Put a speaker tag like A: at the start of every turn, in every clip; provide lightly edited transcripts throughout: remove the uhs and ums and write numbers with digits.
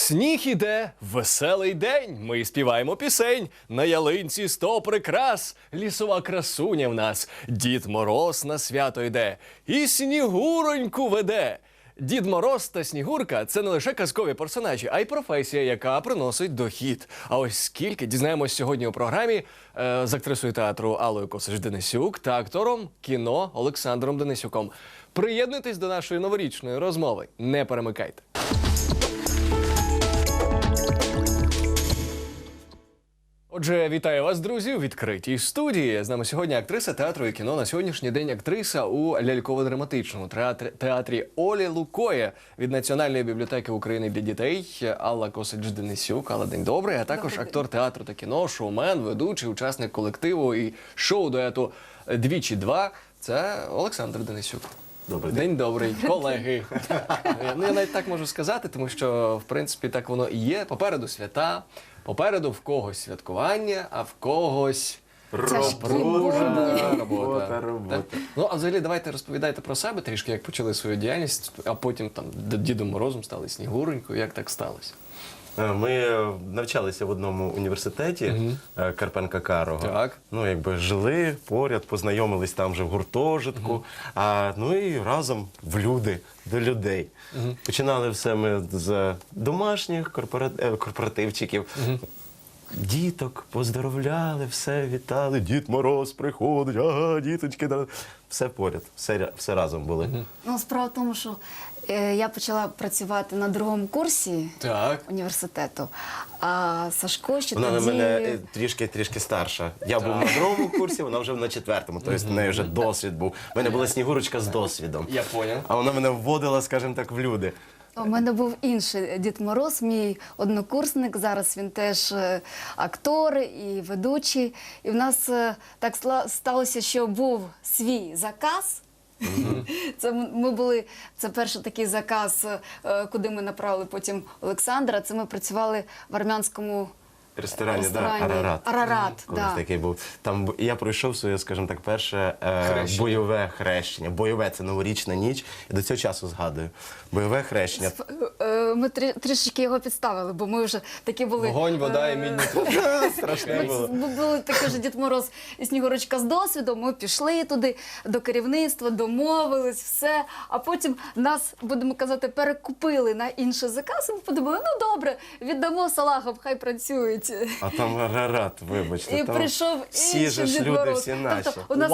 A: Сніг іде, веселий день, ми співаємо пісень. На ялинці 100 прикрас, лісова красуня в нас. Дід Мороз на свято йде і Снігуроньку веде. Дід Мороз та Снігурка – це не лише казкові персонажі, а й професія, яка приносить дохід. А ось скільки дізнаємось сьогодні у програмі з актрисою театру Аллою Косач-Денисюк та актором кіно Олександром Денисюком. Приєднуйтесь до нашої новорічної розмови. Не перемикайте. Отже, вітаю вас, друзі, у відкритій студії. З нами сьогодні актриса театру і кіно. На сьогоднішній день актриса у ляльково-драматичному театрі Олі Лукої від Національної бібліотеки України для дітей Алла Косач-Денисюк. Алла, день добрий. А також актор театру та кіно, шоумен, ведучий, учасник колективу і шоу-дуету «Двічі два» – це Олександр Денисюк.
B: Добрий день.
A: День добрий, колеги. Я навіть так можу сказати, тому що, в принципі, так воно і є. Попереду свята, попереду в когось святкування, а в когось робота. Так. Ну, а взагалі, давайте розповідайте про себе трішки, як почали свою діяльність, а потім там Дідом Морозом стали Снігуренькою. Як так сталося?
B: Ми навчалися в одному університеті Карпенка-Карого.
A: Так.
B: Ну, якби жили поряд, познайомились там же в гуртожитку, ну і разом в люди, до людей. Починали все ми з домашніх корпоративчиків. Діток поздоровляли, все вітали, Дід Мороз приходить, ага, діточки, все поряд, все разом були.
C: Ну, справа в тому, що я почала працювати на другому курсі університету, а Сашко ще
B: Вона
C: тоді...
B: на мене трішки старша. Я був на другому курсі, вона вже на четвертому, тобто в неї вже досвід був. У мене була Снігурочка з досвідом.
A: Я поняв.
B: А вона мене вводила, скажімо так, в люди.
C: У мене був інший Дід Мороз, мій однокурсник, зараз він теж актор і ведучий. І в нас так сталося, що був свій заказ. Це перший такий заказ, куди ми направили потім Олександра. Це ми працювали в армянському
B: Ресторані,
C: Арарат.
B: Колись такий був. Там я пройшов своє, скажімо так, перше бойове хрещення. Бойове – це новорічна ніч. І до цього часу згадую. Бойове хрещення.
C: Ми трішечки його підставили, бо ми вже такі були...
A: Вогонь, вода і мідні.
B: Страшне було.
C: Ми були такі ж Дід Мороз і Снігурочка з досвідом, ми пішли туди до керівництва, домовились, все. А потім нас, будемо казати, перекупили на інший заказ, і ми подумали, ну добре, віддамо салагам, хай працюють.
B: А там Арарат, вибачте.
C: І
B: там
C: прийшов
B: всі
C: інший
B: ж
C: Дід
B: люди,
C: Мороз.
B: всі наші.
C: Тобто, у нас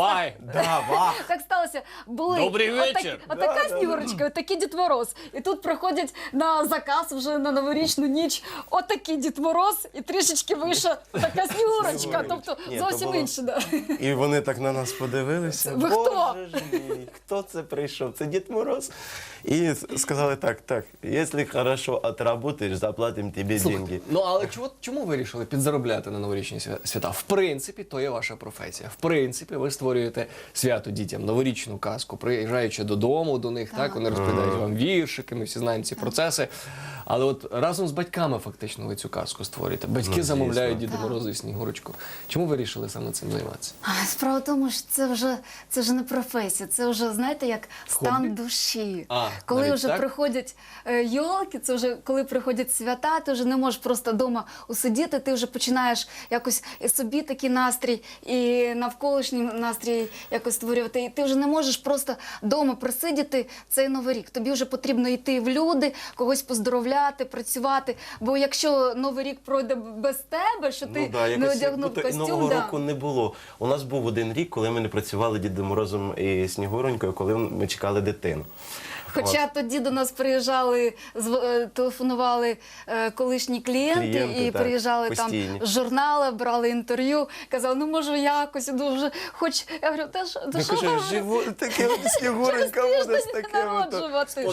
C: так сталося. Були
A: Добрий вечір.
C: отака Снігурочка, отакий Дід Мороз. І тут приходять на заказ вже на новорічну ніч отакий Дід Мороз і трішечки вище така Снігурочка. Тобто
B: Ні,
C: зовсім
B: було...
C: інше. Да.
B: І вони так на нас подивилися.
C: Ви хто?
B: Боже ж мій, хто це прийшов? Це Дід Мороз. І сказали так, якщо хорошо отработаєш, заплатимо тобі деньги.
A: Ну, але чому вирішили підзаробляти на новорічні свята? В принципі, то є ваша професія. В принципі, ви створюєте свято дітям, новорічну казку, приїжджаючи додому до них, так, вони розповідають вам віршики, ми всі знаємо ці процеси. Але от разом з батьками фактично ви цю казку створюєте. Батьки замовляють Діда Мороза і Снігурочку. Чому ви вирішили саме цим займатися?
C: Справа в тому, що це вже не професія, це вже, знаєте, як стан душі. Коли вже приходять йолки, це вже коли приходять свята, ти вже не можеш просто вдома усидіти, ти вже починаєш якось і собі такий настрій, і навколишній настрій якось створювати. І ти вже не можеш просто вдома присидіти цей Новий рік. Тобі вже потрібно йти в люди, когось поздоровляти, працювати. Бо якщо Новий рік пройде без тебе, що ти не одягнув костюм.
B: Нового року не було. У нас був один рік, коли ми не працювали Дідом Морозом і Снігуронькою, коли ми чекали дитину.
C: Хоча тоді до нас приїжджали, телефонували колишні клієнти і приїжджали
B: постійні.
C: там з журнали, брали інтерв'ю, казали, ну може якось, дуже хоч, я говорю, та що ви?
B: Таке Снігуренька буде з таким.
C: Народжувати.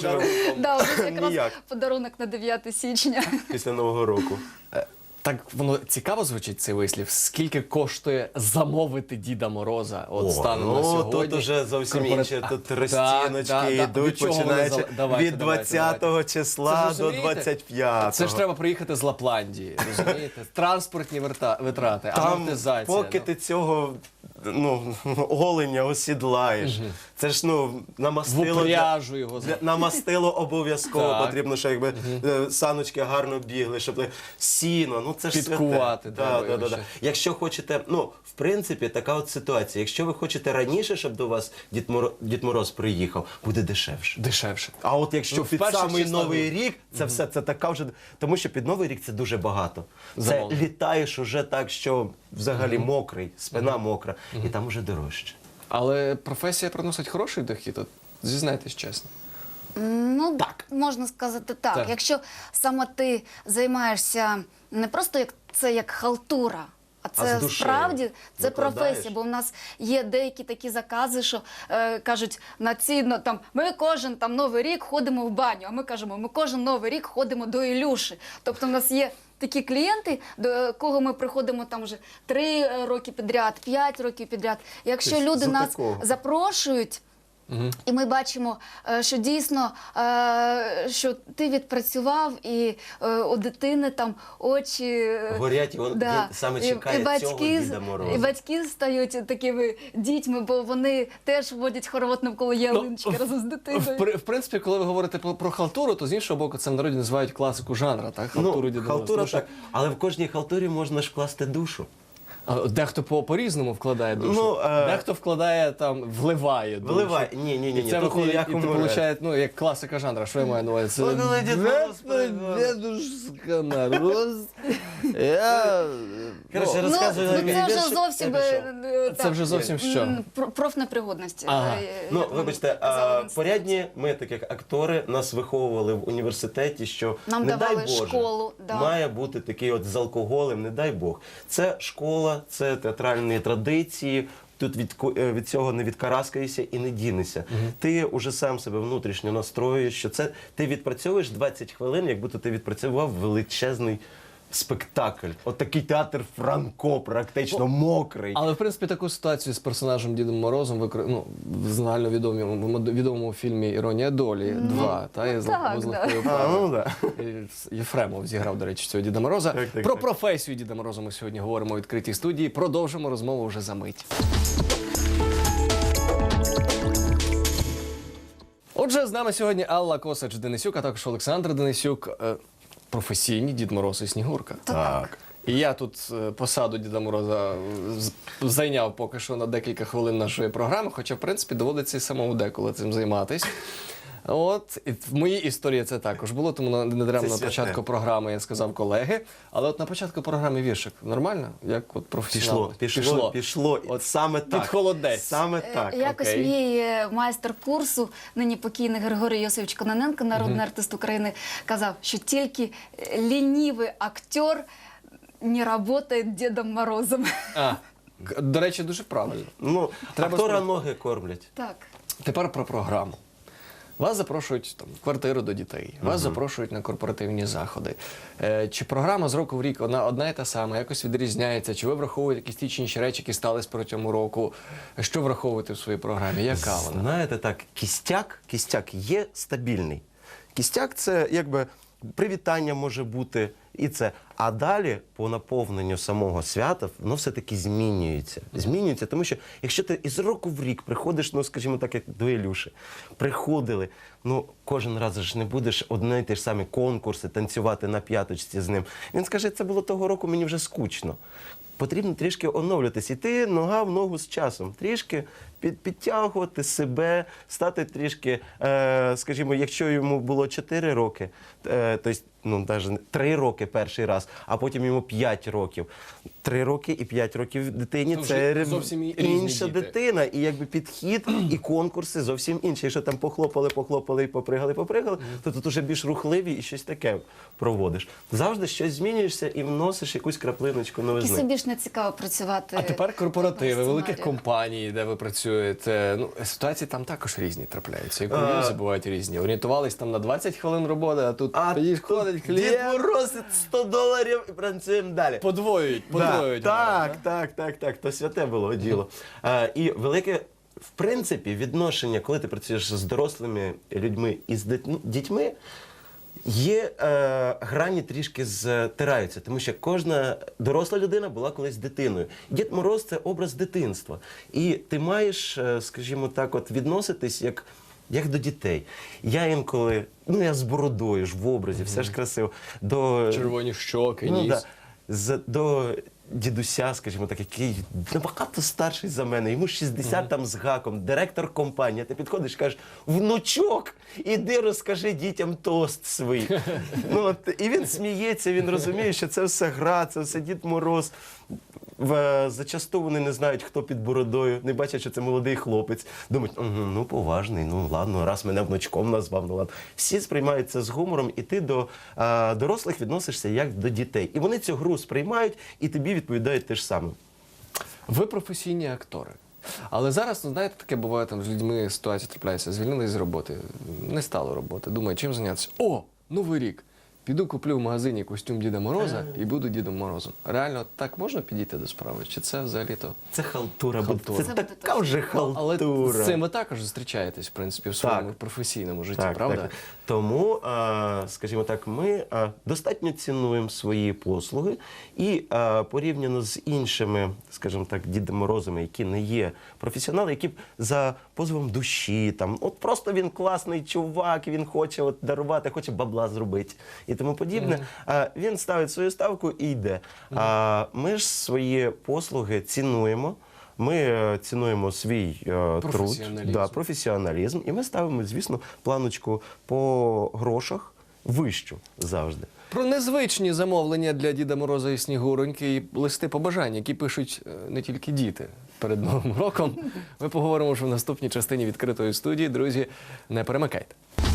C: Якраз подарунок на 9 січня.
B: Після Нового року.
A: Так воно цікаво звучить, цей вислів. Скільки коштує замовити Діда Мороза? От станом на сьогодні.
B: Тут уже зовсім інше. Тут розціночки йдуть, починаючи від 20-го числа до 25-го.
A: Це ж треба приїхати з Лапландії, розумієте? Транспортні витрати,
B: Там,
A: амортизація.
B: поки ти цього оленя осідлаєш. Це ж,
A: В
B: намастило.
A: упряжу його.
B: Намастило обов'язково,
A: Так.
B: потрібно, щоб саночки гарно бігли, щоб сіно, це ж
A: Підкувати
B: святе.
A: треба
B: Да.
A: його ще.
B: Якщо хочете, в принципі, така от ситуація. Якщо ви хочете раніше, щоб до вас Дід Мороз приїхав, буде дешевше.
A: Дешевше.
B: А от якщо
A: В
B: під
A: перших
B: самий
A: числах
B: Новий рік, це все, це така вже... Тому що під Новий рік це дуже багато. Це
A: Замовлення.
B: літаєш уже так, що взагалі мокрий, спина мокра, і там уже дорожче.
A: Але професія приносить хороший дохід, от зізнайтесь чесно.
B: Так.
C: Можна сказати так.
A: Так.
C: Якщо саме ти займаєшся не просто як халтура, а це
B: з душею
C: справді це
B: викладаєш.
C: професія. Бо в нас є деякі такі закази, що кажуть ми кожен Новий рік ходимо в баню, а ми кажемо, ми кожен Новий рік ходимо до Ілюші. Тобто в нас є такі клієнти, до кого ми приходимо вже 3 роки підряд, 5 років підряд. Якщо
B: Тобто
C: люди
B: за
C: нас
B: такого.
C: запрошують, і ми бачимо, що дійсно, що ти відпрацював, і у дитини очі
B: Горять, і він саме чекає цього Діда Мороза.
C: І батьки стають такими дітьми, бо вони теж водять хоровод навколо ялиночки разом з дитиною.
A: В принципі, коли ви говорите про халтуру, то з іншого боку, це в народі називають класику жанра, так? Халтуру Діда Мороза.
B: Халтура
A: Тому що,
B: так. Але в кожній халтурі можна ж вкласти душу.
A: Дехто по-різному вкладає душу. Дехто вкладає вливає душу.
B: Вливай. Ні.
A: І це
B: тут
A: виходить, і
B: ніякому
A: це
B: разі.
A: виходить, як класика жанра. Що я маю на увазі?
B: Ой, коли Дід Мороз
A: Дедушка Мороз. Я...
B: Коротше, розказую.
C: Це вже зовсім
A: Це вже зовсім що?
C: профнепригодності.
A: Ага.
B: Вибачте,
C: казала
B: порядні ми, так як актори, нас виховували в університеті, що
C: Нам
B: не дай
C: давали
B: Боже,
C: школу, да.
B: має бути такий з алкоголем, не дай Бог. Це школа, це театральні традиції. Тут від цього не відкараскаєшся і не дінешся. Ти уже сам себе внутрішньо настроюєш, що це ти відпрацьовуєш 20 хвилин, як будто ти відпрацював величезний спектакль. От такий театр Франко, практично мокрий.
A: Але, в принципі, таку ситуацію з персонажем Дідом Морозом в загальновідомому фільмі «Іронія долі 2», та,
C: так,
A: з Легкою
B: А,
A: Парою.
B: да.
A: Єфремов зіграв, до речі, цього Діда Мороза.
B: Так.
A: Про професію Діда Мороза ми сьогодні говоримо у відкритій студії. Продовжимо розмову вже за мить. Отже, з нами сьогодні Алла Косач-Денисюк, а також Олександр Денисюк, професійні Дід Мороз і Снігурка.
B: Так.
A: І я тут посаду Діда Мороза зайняв поки що на декілька хвилин нашої програми, хоча, в принципі, доводиться і самому деколи цим займатись. І в моїй історії це також було, тому не даремно на початку програми я сказав колеги. Але от на початку програми віршик нормально? Як от професіонал?
B: Пішло.
A: От
B: саме так.
A: під холодець.
B: Саме так.
C: Якось
A: окей.
C: мій майстер курсу, нині покійний Григорій Йосифович Кононенко, народний артист України, казав, що тільки лінивий актер не працює Дідом Морозом.
A: До речі, дуже правильно.
B: Актора
A: спробувати.
B: ноги кормлять.
C: Так.
A: Тепер про програму. Вас запрошують в квартиру до дітей, вас запрошують на корпоративні заходи. Чи програма з року в рік одна і та сама, якось відрізняється? Чи ви враховуєте якісь ті чи інші речі, які стались протягом року? Що враховуєте в своїй програмі? Яка вона?
B: Знаєте, так, кістяк є стабільний. Кістяк – це якби привітання може бути і це. А далі по наповненню самого свята воно все-таки змінюється. Змінюється, тому що якщо ти із року в рік приходиш, скажімо так, як до Ілюші, приходили, кожен раз ж не будеш одне й те ж самі конкурси, танцювати на п'яточці з ним. Він скаже, це було того року, мені вже скучно. Потрібно трішки оновлюватись, іти нога в ногу з часом, трішки підтягувати себе, стати трішки, скажімо, якщо йому було 4 роки, тобто, навіть 3 роки перший раз, а потім йому 5 років. 3 роки і 5 років дитині
A: Це
B: це
A: вже зовсім різні
B: інша
A: діти.
B: дитина, і якби підхід, і конкурси зовсім інші. Якщо там похлопали і попригали, то тут уже більш рухливі і щось таке проводиш. Завжди щось змінюєшся і вносиш якусь краплиночку
C: І
B: новизни.
C: собі більш не цікаво працювати.
A: А тепер корпоративи,
C: такого
A: великих
C: сценарію.
A: компаній, де ви працюєте. Ситуації там також різні трапляються. І кур'йози бувають різні. Орієнтувались там на 20 хвилин роботи, а тут підходить
B: Дід
A: клієнт.
B: Мороз $100 і працюємо далі.
A: Подвоюють.
B: Так, то святе було діло. І велике, в принципі, відношення, коли ти працюєш з дорослими людьми і з дітьми, Є грані трішки стираються, тому що кожна доросла людина була колись дитиною. Дід Мороз – це образ дитинства. І ти маєш, скажімо так, от відноситись як до дітей. Я інколи, я з бородою ж в образі, все ж красиво.
A: Червоні щоки, ніс.
B: До дідуся, скажімо так, який набагато старший за мене, йому 60 там з гаком, директор компанії. Ти підходиш і кажеш: внучок, іди розкажи дітям тост свій. І він сміється, він розуміє, що це все гра, це все Дід Мороз. Зачасту вони не знають, хто під бородою, не бачать, що це молодий хлопець. Думають: поважний, ладно, раз мене внучком назвав, ладно. Всі сприймають це з гумором, і ти до дорослих відносишся як до дітей. І вони цю гру сприймають, і тобі відповідають те ж саме.
A: Ви професійні актори. Але зараз, знаєте, таке буває, там з людьми ситуація трапляється, звільнились з роботи, не стало роботи, думаю, чим зайнятися? О, Новий рік! Піду куплю в магазині костюм Діда Мороза і буду Дідом Морозом. Реально так можна підійти до справи? Чи це взагалі-то?
B: Це халтура,
A: Халтура.
B: це така вже халтура.
A: Але з цим ви також зустрічаєтесь, в принципі, в своєму професійному житті, правда?
B: Так. Тому, скажімо так, ми достатньо цінуємо свої послуги і порівняно з іншими, скажімо так, Дідом Морозами, які не є професіонали, які за позовом душі, от просто він класний чувак, він хоче дарувати, хоче бабла зробити і тому подібне, він ставить свою ставку і йде. Ми ж свої послуги цінуємо. Ми цінуємо свій труд, професіоналізм, і ми ставимо, звісно, планочку по грошах вищу завжди.
A: Про незвичні замовлення для Діда Мороза і Снігуроньки і листи побажань, які пишуть не тільки діти перед Новим роком, ми поговоримо вже в наступній частині відкритої студії. Друзі, не перемикайте.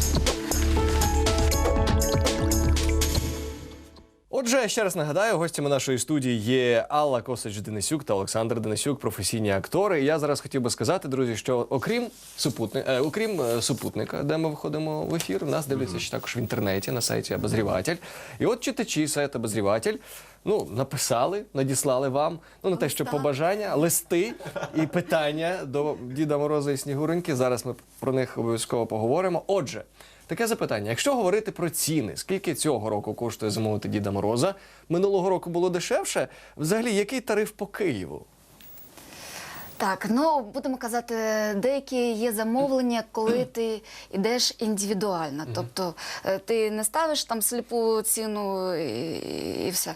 A: Отже, ще раз нагадаю, гостями нашої студії є Алла Косач-Денисюк та Олександр Денисюк, професійні актори. І я зараз хотів би сказати, друзі, що окрім супутника, де ми виходимо в ефір, нас дивляться ще також в інтернеті, на сайті «Обозріватель». І от читачі сайту «Обозріватель» написали, надіслали вам, не те, що побажання, листи і питання до Діда Мороза і Снігуроньки. Зараз ми про них обов'язково поговоримо. Отже, таке запитання. Якщо говорити про ціни, скільки цього року коштує замовити Діда Мороза? Минулого року було дешевше. Взагалі, який тариф по Києву?
C: Так, будемо казати, деякі є замовлення, коли ти йдеш індивідуально. Тобто ти не ставиш там сліпу ціну і все.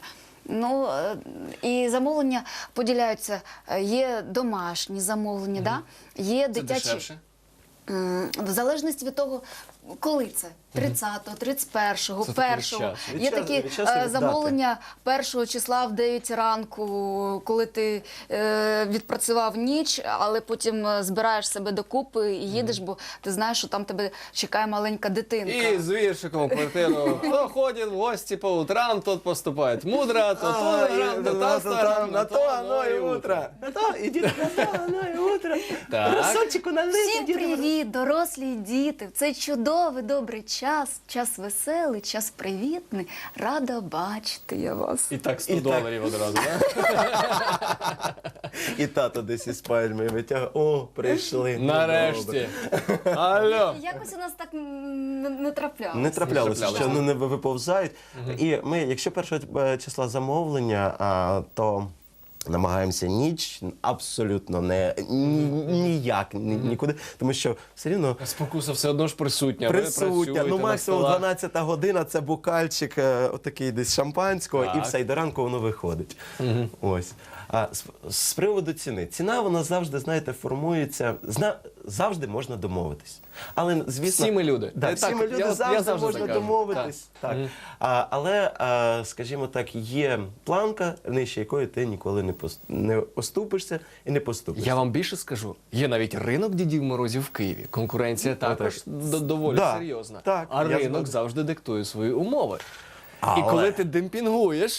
C: І замовлення поділяються. Є домашні замовлення, є дитячі.
A: Це дешевше?
C: В залежності від того, коли це. 30-го, 31-го, 1-го. Є такі замовлення 1-го числа в 9 ранку, коли ти відпрацював ніч, але потім збираєш себе докупи і їдеш, бо ти знаєш, що там тебе чекає маленька дитинка.
A: І з віршиком в квартиру. Хто ходить в гості по утрам, тот поступає мудро, то
B: на то оно і утро. На то, ідіть на то, оно і утро. Розсольчику налити.
C: Всім привіт, дорослі і діти. Це чудовий, добрий час веселий, час привітний. Рада бачити я вас.
A: І так $100 одразу, так?
B: І тато десь із пальми витягує. О, прийшли.
A: Нарешті. Алло.
C: Якось у нас так не траплялося.
B: Не траплялося, що не виповзають. І ми, якщо 1 числа замовлення, то намагаємося ніч абсолютно ніяк нікуди, тому що все рівно
A: Спокуса все одно ж присутня.
B: Присутня. Максимум 12 година, це букальчик отакий десь шампанського, і все, і до ранку воно виходить. Ось. А з приводу ціни. Ціна, вона завжди, знаєте, формується, завжди можна домовитись. Але, звісно,
A: всі ми люди.
B: Всі ми люди, завжди можна домовитись. Так. Але, скажімо так, є планка, нижче якої ти ніколи не оступишся і не поступишся.
A: Я вам більше скажу, є навіть ринок Дідів Морозів в Києві. Конкуренція також доволі серйозна.
B: Так,
A: а ринок завжди диктує свої умови. І коли ти демпінгуєш,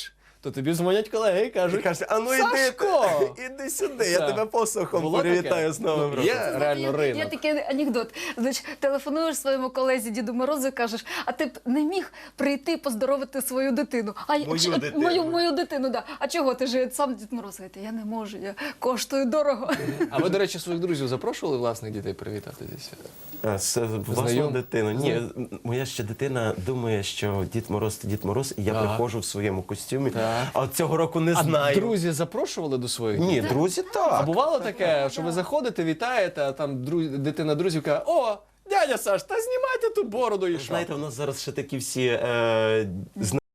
A: то тобі дзвонять колеги і
B: І
A: кажуть,
B: кажуть, а ну
A: Сашко!
B: іди сюди, я
A: Так.
B: тебе посохом
A: Було таке?
B: привітаю з Новим
A: Ну,
B: роком.
A: є
C: Знаєте,
A: реально
C: є
A: ринок.
C: такий анекдот. Значить, телефонуєш своєму колезі Діду Морозу і кажеш, а ти б не міг прийти поздоровити свою дитину?
B: Мою дитину.
C: Мою дитину, да. А чого ти ж сам Дід Мороз? Говорить, я не можу, я коштую дорого.
A: А ви, до речі, своїх друзів запрошували власних дітей привітати зі святом?
B: З власну
A: Знайом?
B: дитину. Ні, моя ще дитина думає, що Дід Мороз – це Дід Мороз, і я
A: Ага.
B: приходжу в своєму костюмі.
A: Так.
B: А от цього року не
A: А
B: знаю.
A: друзі запрошували до своїх
B: Ні,
A: дітей?
B: друзі,
A: А
B: так.
A: бувало таке, що ви заходите, вітаєте, а там дитина друзів каже, о, дядя Саш, та знімайте ту бороду і що?
B: Знаєте, у нас зараз ще такі всі